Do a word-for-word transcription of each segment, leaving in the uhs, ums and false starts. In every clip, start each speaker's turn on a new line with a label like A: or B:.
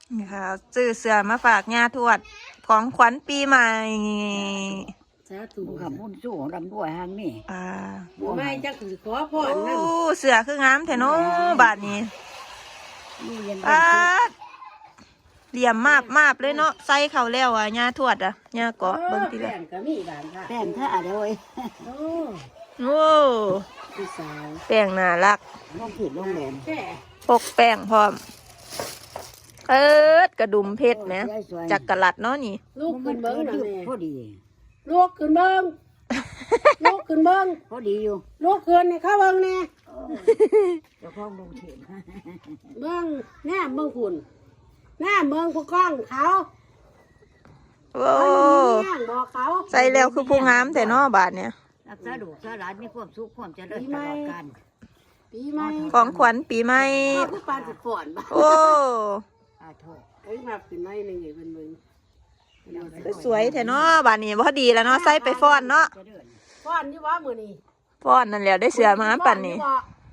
A: นี่ค่ะซื้อเสื้อมาฝากย่าทวดของขวัญปีใหม่
B: สาธุขับมุ่นสู้ของดำด้วยหางนี่
A: อ่า
B: บัวไม่จักถือขอพรนั่น
A: เสื้อคืองามแท้เนาะบาดนี้อ่าเหลี่ยมมากมากเลยเนาะใส่เข้าแล้วอ่ะย่าทวดอ่ะย่าเกาะเบิ่งทีละ
B: แป้งก็มีบานค่ะแป้งท่าเด้อเว้ยโอ้
A: โอ้
B: พี่สาว
A: แป้งน่ารัก
B: น้องผิดน้องแหลม
A: พกแป้งพร้อมเอิดกระดุมเพชรนะจักกะลัดเนาะนี่
B: ลูกขึ้นเบิ้งนะแม่พอดีลูกขึ้นเบิ้งลูกขึ้นเบิ้งพอดีอยู่ลูกขึ้นเนี่ยเข้าเบิ้งเนี่ยเจ้าของลงเถียงเบิ้งหน้าเบิ้งฝุ่นหน้าเบิ้งผู้กล้องเขา
A: โอ้ใส่แล้วคือผู้งามแต่เนาะบาทเนี่ย
B: รักษาดูกษาหลานมีความสุขความเจริญตลอดกาลปีใหม่
A: ของขวัญปีใหม่
B: ผู้ปานสิฝนบ้า
A: โอ้
B: อาโทษเอ้ยมาเป็นไม้หนึ่งอย่างเป็นมึง
A: สวยแต่เนาะบาทนี้พอดีแล้วเนาะใส่ไปฟ้อนเนาะ
B: ฟ้อนที่ว่ามือนี่
A: ฟ้อนนั่นแหละได้เสือมาปั่นนี่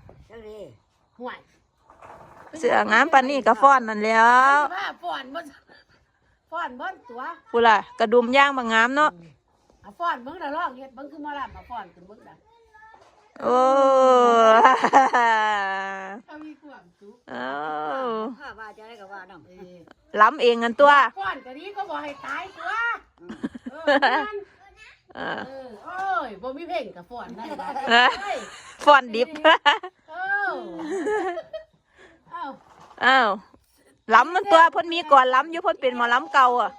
A: เสืองามปั่นนี่ก็ฟ้อนนั่นแล้ว
B: ฟ้อนบนฟ้อนบนตัว
A: กูล่ะกระดุมย่างบางงามเนาะ
B: ฟ้อนเบิ้งแต่ลอกเห็ดเบิ้งคือมาลับมาฟ้อนถึงเบิ้งได้
A: โอ้
B: เขามีความสุข
A: โอ้
B: ข้าว่าจะได้กับว่าน้อง
A: ล้ำเองกันตัว
B: ฟ้อนกะนี้ก็บอกให้ตายตัวเออโอ้ยบ่มีเพลงกับฟ้อนได้
A: ฟ้อนดิบ
B: อ้าว
A: อ้าวล้ำมันตัวพ่นมีก่อนล้ำอยู่พ่นเป็นหมอล้ำเก่าอ่ะ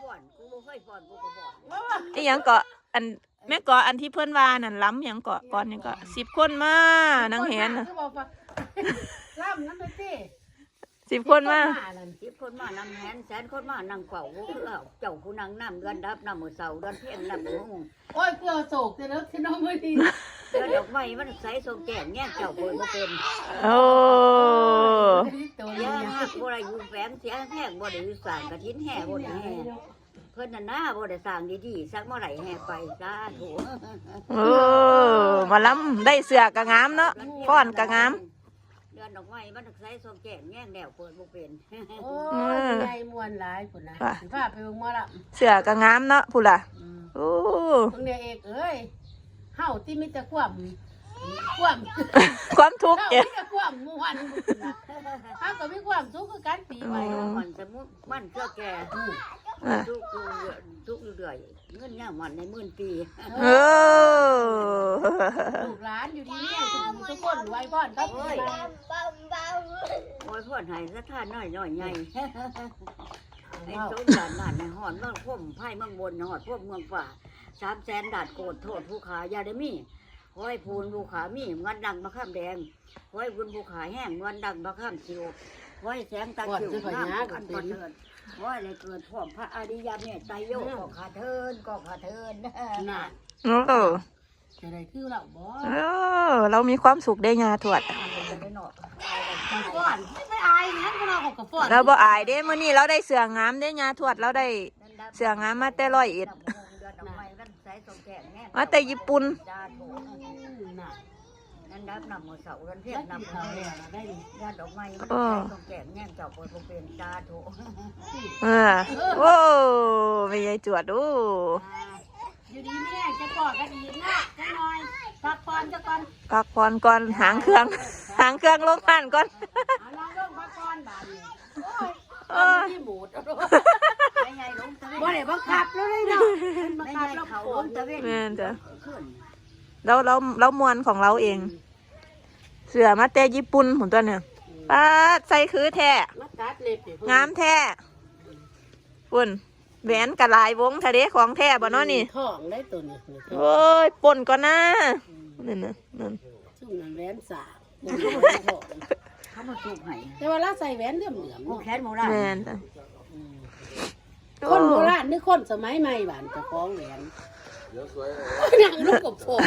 A: ไอ้ยังเกาะอันแม่เกาะอันที่เพื่อนว่านั่นล้ำยังเกาะก่อนยังเกาะสิบคนมานางเห็น
B: ล้ำนั่นเลยสิ
A: สิบคนมา
B: สิบคนมานางแหนแสนคนมานางเป่าเจ้าผู้นางน้ำเดือนดับน้ำมือเสาเดือนเพียงน้ำมือหงโอ้ยเกลือโศกแต่แล้วที่น้องไม่ดีเดือนดอกไม้มันใส่ทรงแก่แง่เจ้าป่วยบ่เป็น
A: โอ้
B: ยาบ่ได้อยู่แฝงเสียแห้งบ่ได้อยู่สางกระทิ้นแห่บ่ได้แห่เพิ่นน่ะนะบ่ได้สร้างดีๆสักเมื่อไหร่แห่ไปจ้าโถ
A: โอ้มาล้ำได้เสือกะงามเนาะฟ้อนกะงาม
B: เดือนดอกไม้มันใส่ทรงแก่แง่แนวเปิดบ่เป็นโอ้ยใหญ่มวนหลายพุ่นนะสิพาไปเบิ่งหมอล
A: ำเสือกะงามเนาะพุ่นล่ะโอ้
B: เพิ่นเนี่ยเอกเอ้ยเฮาที่มีแต่ความความ
A: ความทุกข์
B: เนี่ยความม่วนเฮาก็มีความสุขคือกันปีใหม่มันสมมุติมันเพื่อแก่ทุกทุกเรื่อยเงินย่ามันในหมื่นปี
A: เออ
B: ลูกหลานอยู่ดีเนี่ยทุกคนไว้พ่อนครับโอ้ยโอ้ยพ่อนให้สะท้านน้อยน้อยใหญ่ไอ้โซนด่านนั่นในหอดเมืองพุ่มไผ่เมืองบนหอดพุ่มเมืองฝ่าสามแสนดาดโกดโทษผู้ขายาได้มีห้อยพูนผู้ขามีเงินดังมะข้ามแดงห้อยบุญผู้ขาแห้งเงินดังมะข้ามคิวห้อยแสงตาคิวน้ำกันประเทินห้อยเลยเกิดพ่อพระอริยเมตไตรโยก็ขาเทินก็ขาเทินน่ะ
A: โอ้
B: จะได้คือเราบ่
A: เออเรามีความสุขได้งาถวด
B: ฟ้อนไม่อายงั้นเราก็กับฟ้อน
A: เราบ่อายเด้มื้อนี้เราได้เสืองามได้งาถวดเราได้เสืองามมาแต่ร้อยเอ็ดมาแต่ญี่ปุ่นนั่นดับนำมือเสาเรือนเพียรนำเขาเนี่ยได้ญาติดอกไม้มันต้องแก่แง่เจ้าคนเป็นตาโถเออโอ้ไม่ใช่จวดดู
B: อยู่ดีเนี่ยจะกอดกันอีกนะจะหน่อยพักผ่อนจะก่อน
A: พักผ่อนก่อนหางเครื่องหางเครื่องลงผ่านก่อน
B: เอาลองลงพักผ่อนบ้านนี่โอ้ยที่หมูดไม่ไงลงตะเวนบ่ได้บังคับแล้วเลยเนาะบังคับเราเขาลงตะเวน
A: แม่นจ้ะเราเราเรามวนของเราเองเสือมาแต่ญี่ปุ่นผมตัวเนี่ยป้าใส่คือแท้งามแท้ปุ่นแหวนกระลายวงทะเลของแท้บ่เนาะนี่
B: ทองได้ตัวนี้
A: โอ้ยป่นก่อนนะนั่นนะนั่น
B: ซุ่มนั่นแหวนสาเขามาสูบให้แต่ว่าเราใส่แหวนเหลื่อมเหลื่อมแขนโบราณ
A: แม่น
B: คนโบราณนี่คนสมัยใหม่บ้านจะคล้องแหวนนั่งลูกกับผม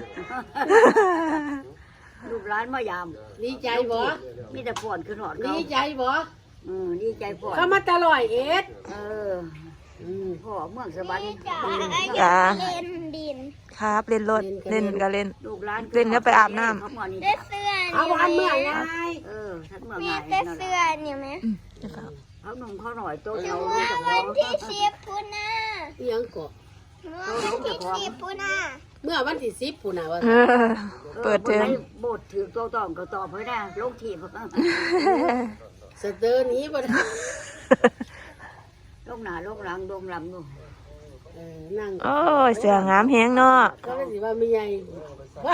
B: ลูกร้านมายามดีใจบ่มีแต่ผ่อนขึ้นหอดดีใจบ่อืมดีใจผ่อนเขามาตลอดเอ็ดเอออืมพ่อเมืองสะบัน
A: จ้าเล่นดินครับเล่นรถเล่นก็เล่นลูกร้านเล่นก็ไปอาบน้
C: ำเล่นเสื้อ
B: เอาวันเมื่อไง
C: เออทัดเมื่อไงมีเสื้อเนี่ยไหม
B: เขาหนุ่มเขาหน่อยโตเดียวลูกจะพอ
C: วันที่สิบปุ่นนะ
D: อิหยังก็
C: วันที่สิบปุ่นนะ
D: เมื่อวันที่สิบปุ่นน่ะว่า
A: เออเปิดเทอม
B: บทถือโตตองก็ตอบให้ได้ลงทีบ
D: สเตอร์นี้บ่ได้
B: ลงหน้าลงหลังลงลำดู
D: เออนั่ง
A: โอ้ยเสืองามแฮงเนาะ
D: ก็เลยสิว่าไม่ใหญ่ว่า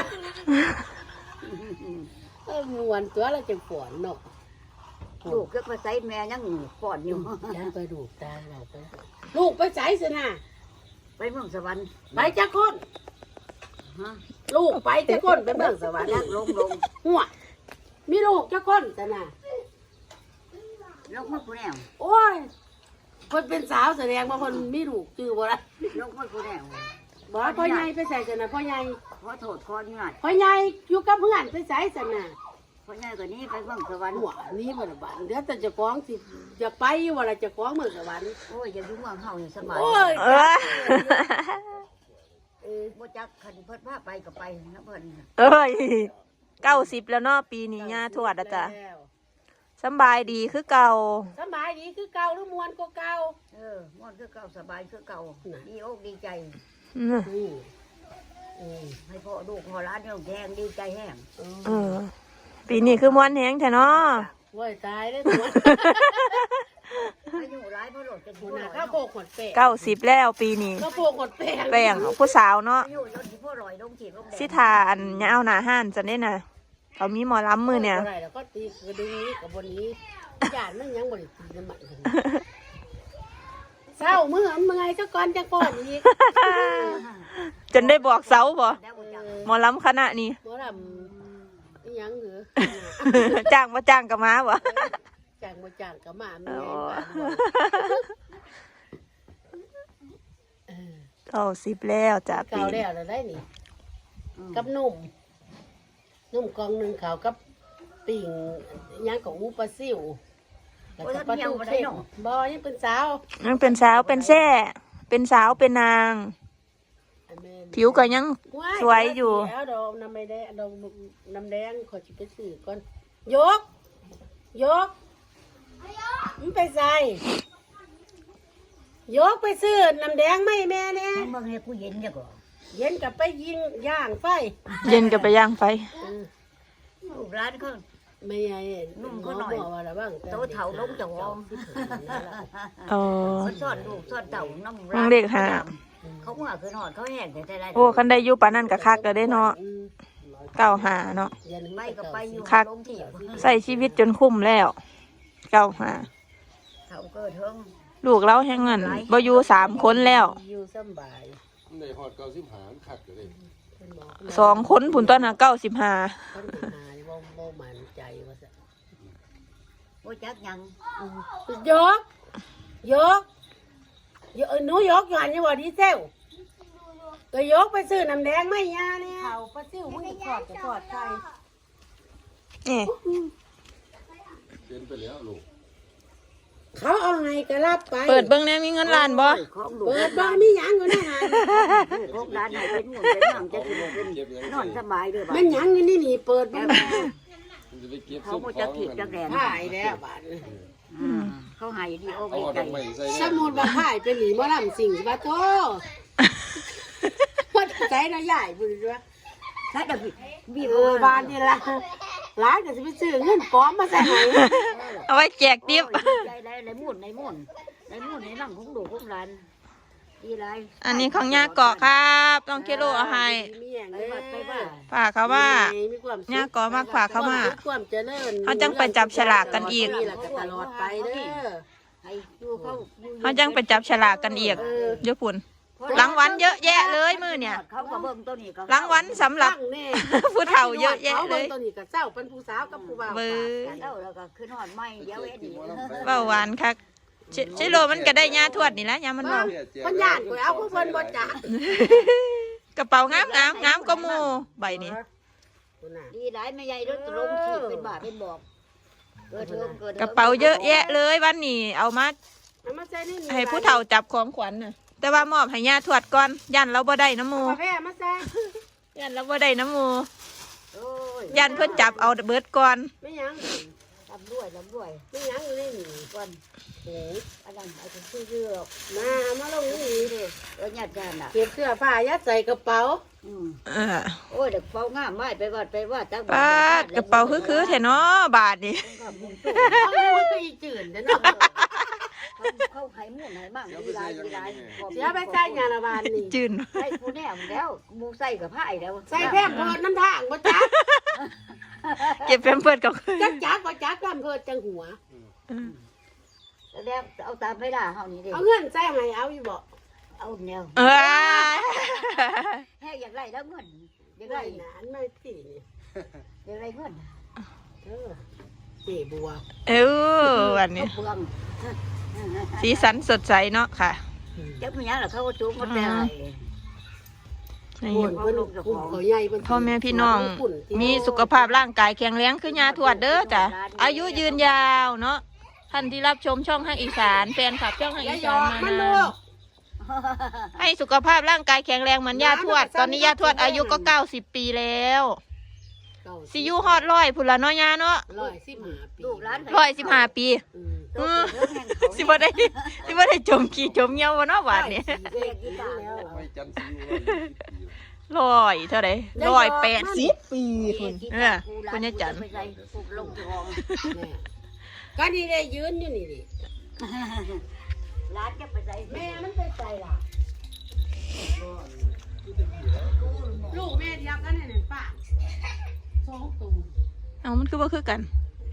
D: เออม่วนตัวเราจะปวดเนาะ
B: ลูกก็มาใส่แม่ยังปอดอยู่
D: ยันไปดูตาเราไปลูกไปใส่สินะ
B: ไปเมืองสวรรค์
D: ไปจักคน
B: ฮะ
D: ลูกไปจักคนไปเมืองสวรรค์
B: ยักลงลง
D: หัวมีลูกจักคนสินะ
B: ลงมาผู้แนว
D: โอ้ยคนเป็นสาวแสดงว่าคนมีลูกจื้อบ่ได้
B: ลงมาผู้แนว
D: บ่พ่อใหญ่ไปใส่สินะพ่อใหญ่
B: ขอโทษขอนี่หน่อย
D: พ่อใหญ่อยู่กับเพื่อนไปใส่สินะ
B: เพราะง่ายกว่านี้ไปเมืองสวรรค์
D: หัวนี่บ่ได้บ้านเดี๋ยวแต่เจะฟ้าของสิอยากไปว่าล่ะเจะฟ้าของเมืองสวรรค์
B: โอ้ยอย่ายุ่งเมืองเฮาอย่าสบาย
D: โอ้ย
A: เออ
D: เออ
B: บ่จักคันเพิ่นพาไปก็ไปนะเพิ่น
A: เอ้ยเก้าสิบแล้วเนาะปีนี้ย่าทวดอะจ้ะ
D: แล้ว
A: สำบายดีคือเก่า
D: สบายดีคือเก่าหรือมวนก็เก่า
B: เออม่วนคือเก่าสบายคือเก่า
D: น่ะ
B: ดีอกดีใจ
A: อืม
D: อืมอืม
B: ให้พ่อลูกพ่อร้านเนี่ยแทงดีใจแห้ง
D: เออ
A: เออ ปีนี้คือม้วนแฮงแท้เนาะ
D: โว้ยตายเลยตัว
B: อายุร้ายเพราะหลดจะ
D: คุ
B: พู
D: ณ
B: ด
D: น่ะ
B: นะ
D: ข้าวโพกหดแป้ง
A: เก้าสิบแล้วปีนี้
D: ข้าวโพกหดแป้ง
A: แป้งผู้สาวเนาะ
B: อายุยศที่พ่อลอยลงจีบลงแดง
A: สิทาอันยาวหนาห้านจะได้น่ะเขามีหมอลำมือเนี่ย
D: บ่ได้แล้วก็ตีกระดึงนี้กับบนนี้ญาติมันยังบ่ได้ตีน้ำมันกันเศร้ามือหันเมื่อยเจ้าก่อนจักป้อนอีก
A: จนได้บอกเสาบ่
B: แล้วบ่จัก
A: หมอลำคณะนี้
D: บ่ทำอีหยังเหรอ
A: จ้างมาจ้างกับมาบ่
D: จ้างบ่จ้างก็มาแม่
A: อ๋
D: น
A: อ
D: บ้านเออ
A: เก้าสิบแล้วจ้ะปี
D: เก่าแล้
A: นี้
D: วแล้วได้นี่ กับนุ่มนุ่มกองหนึ่งขาวกับปิ่งย่างกับอูปลาซิวแล้วก็ปลาทูเค็มบอยังเป็นสาว
A: ยังเป็นสาวเป็นแซ่เป็นสาวเป็นนาง
D: อันแม่น
A: ผิวก็ยัง สวยอยู่
D: แล้วดอกน้ำไม่แดงดอกน้ำแดงขอจิไปซื้อก่อนยก ยกมันไปใส่ยกไปซื้อน้ำแดงไม่แม่เนี่ย
B: เมืองให้กูเย็นจักว่า
D: เย็นกับไปยิงย่างไฟ
A: เย็นกับไปย่างไฟ
D: เออ
B: ลูกร้านเขา
D: ไม่ใหญ่
B: นุ่มเขาหน่อย
D: บอกว่าอะไรบ้าง
B: โตเฒ่าลงจะวอง
A: เออ
B: เขาซ่อนลูกซ่อนเต่าน้ำ
A: น้องเด็กหา
B: เขาเมื่อคืนหอดเขาแห้งแต่ไร
A: โอ้คันได้อยู่ปานนั้นก็คักแล้วเด้เนาะเก้าหาเนาะ
B: ไปก็ไปอยู่
A: คัก
B: ลงที่
A: ใส่ชีวิตจนคุ้มแล้วเก้าหา
B: เขาเกิดเทิง
A: ลูกเราแห่งเงินบ่อยู่สามคนแล้ว
D: อยู่สำบาย
E: ในหอดเก้าสิบหารขัดอยู่เลย
D: เพิ่นบอก
A: สองคนผุนต้นน่ะเก้าสิบห้า
D: เพิ่นไปหานี่บ่บ่มั่นใจว่าซะ
B: บ่จักยัง
D: ยก ยกยกหนูยกอยู่หันอยู่ว่าดีเซลก็ยกไปซื้อน้ำแดงไม่ยาเนี่ยเขาปลาซิวมึงจะทอดจะทอดไข่
A: นี่
E: เป็นไปแล้วลูก
D: เขาเอาให้ก็รับไป
A: เปิดเบิ่งแหน่มีเงินล้านบ่
B: ของลูก
D: เปิดบ้านมีหยังอยู่ในหัน
B: ของร้านไหนเป็นหมุนเป็นหนังจะกินเป็นนอนสบายด้วยบ้า
D: มันหยังอยู่นี่นี่เปิดบ้าน
E: มันจะไปเก็บ
B: เขา
E: ซุป
B: บ่
E: ข
B: จะ
E: อง
B: ขีดจักแดน
D: ถ่ายแล้วบ้าน
B: เขาหายดีโอ้
E: เอา
B: ดี
E: หอด
B: ใจ
E: ดอกไม้ใส่
D: สมุดว่าถ่ายเป็นหนีบ่ลำสิ่งบ่โตมันใจนะใหญ่บุญด้วย
B: ถ้าจะบีบ
D: เออบานนี่ละร้านก็จะไปซื้อเงินปลอมมาใส่ให้
A: เอาไว้แจกติ๊บ
B: ใจไรไรมุ่นในมุ่นในมุ่นในนั่งของลูกของร้านดีไร
A: อันนี้ของย่าเกาะครับต้องกิโลเอาให้
D: มีอย่าง
B: ไป
D: เด้
B: วัดไปว่า
A: ฝากเขาว่า
D: มีความสุข
A: ย่าเกาะมากฝากเขามา
D: ความเจริญ
A: เขาจังไปจับฉลากกันอีก
D: นี่แหละก็ตลอดไปเด้อ
B: ให้ดูเขา
A: เขาจังไปจับฉลากกันอีกเยอะปุ่นรางวัลเยอะแยะเลยมือเนี่ย
B: เขาก็เบิ่งตัวนี้ก็
A: รางวัลสำหรับ
D: ตั้งแน่
A: ผู้เฒ่าเยอะแยะเลย
D: ขาบิ่งตัวนี้กับเจ้าเป็นผู้สาวกับผู้บ่าว
A: เบอร์
B: เอ้าแล้วก็ขึ้นหอดไม้เดี๋ยวเอ็ดดี
A: เบาหวานคักชิชิโร่มันก็ได้ยาทวดนี่แหละยามันเบา
D: คนย่านก็เอาผู้เพิ่นบ่จัก
A: กระเป๋างามงามงามก็มูใบนี้
D: คุณน่ะ
B: ดีไรไม่ใหญ่รถลงขีดเป็นบาทเป็นบอกเกิดเทิงเกิด
A: กระเป๋าเยอะแยะเลยวันนี้เอามา
D: เอามาใส่นี่นี่
A: ให้ผู้เฒ่าจับของขวัญน่ะแต่ว่ามอบให้ยาทวดก่อนยันเราบ่ได้น้ำหมู
D: กาแฟมาใส่
A: ยันเราบ่ได้น้ำหมู
B: โอ้ย
A: ยันเพิ่นจับเอาเบิดก่อน
D: ไม่หยัง
B: ลำด้วยลำด้วย
D: ไม่หยังอยู่ในนี่
B: ว่า
D: โอ้
B: อันนั้นไอ้คนชื่อเยือก
D: มามาลงนี่
B: เออหยาดหยาดอ่ะ
D: เก็บเสื้อผ้ายัดใส่กระเป๋า
B: อืม
A: เออ
B: โอ้ยเด็กเป่างามไม่ไปวัดไปวัดตั้ง
A: ปาดกระเป๋าคือคือๆแท้เนาะบาทนี่
B: กับมุงตู้
D: เอาลูกก็อีจืดเด้อเนาะ
B: เขาให้หมุ่นให้มั่งมีลายมีลาย
D: เสียไปใส่งานละบานนี่
A: จืน
B: ใส่ผู้แน่แล้วมูใส่กับผ้าแล้ว
D: ใส่แพร่เพิดน้ำทางบ่จัก
A: เก็บแพมเพิร์สกับ
D: จักจักบ่จักแพร่เพิดจังหัว
B: แล้วเอาตามไม่ได้เฮานี่ดิ
D: เอาเงินใส่ให้เอาอยู่บ่
B: เอาแนว
A: เออ
B: แค่อยากไล่แล้วเงินอยาก
D: ไล่
B: ไล่
D: หนานไม่สินี่
B: อยากไล่เงิน
D: เออเจ๊บัว
A: เออวันนี้
B: เปลือง
A: สีสันสดใสเนาะค่ะ
B: จักมีหยังล่ะเขาก็จุกหมดแล้ว
A: นี่
D: โอนเพิ่นกุ้งเขาใหญ่เพิ่น
A: พ่อแม่พี่น้อง มีสุขภาพร่างกายแข็งแรงคือยาทวดเด้อจ้ะอายุยืนยาวเนาะท่านที่รับชมช่องห้างอีสานแฟนคลับช่องห้าง
D: อย่า
A: อี
D: หย
A: สา
D: อน ก
A: มา
D: มัน
A: นา
D: ลู
A: น
D: ก
A: ให้สุขภาพร่างกายแข็งแรงเหมือนยาทวด ตอนนี้ยาทวดอายุก็เก้าสิบปีแล้วซิอยูฮอดร้อยพุ่นละเนาะยาเนาะ
D: ร้อยสิบห้าปี
B: ลูกหลาน
A: ร้อยสิบห้าปี
D: อืม
A: เออสิบ่ได้สิบ่ได้จมกี่จมเหี่ยวบ่เนาะบาดนี้
B: เด็กกีตาร์แล้ว
E: ไม่จันทร์ซิวว่า
A: ร้อยเท่าใดร้อยแปดสิบปีคุณเออคุณยายจัน
B: ไปใส่ผูกลงทอง
D: แม่ก็นี่ได้ยืนอยู่นี่ดิ
B: ร้านจะไปใส่
D: แม่มันไปใส่ล่ะลูกแม่เดียวกันนี่ป้าสองตัว
A: เอามันคือบ่คือกัน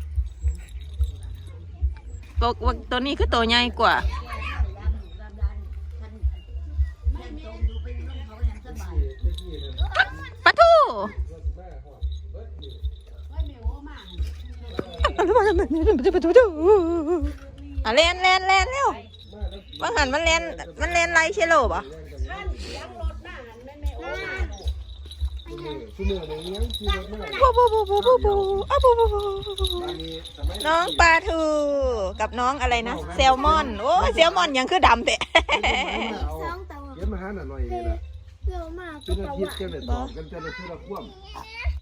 A: บอกว่าตัวนี้คือตัวใหญ่กว่าปะทูอ่ะเล่นเล่นเล่นเร็วว่าหันมันเล่นมันเล่นไรเชลโลป่ะ
E: คือเมื่อในเลี้ยงคือรถเมื่อ
A: บูบูบูบูบูบูอ่ะบูบูบู
E: ตอนนี้สมัย
A: น้องปลาทูกับน้องอะไรนะแซลมอนโอ้แซลมอนยังคือดำแต่
C: สองตัว
E: เย็นมาหาหน่อยนี่แหละ
C: เยอะมาก
E: เป็นอาทิตย์กันเลยต่อกันจะเลยเพื่อควบ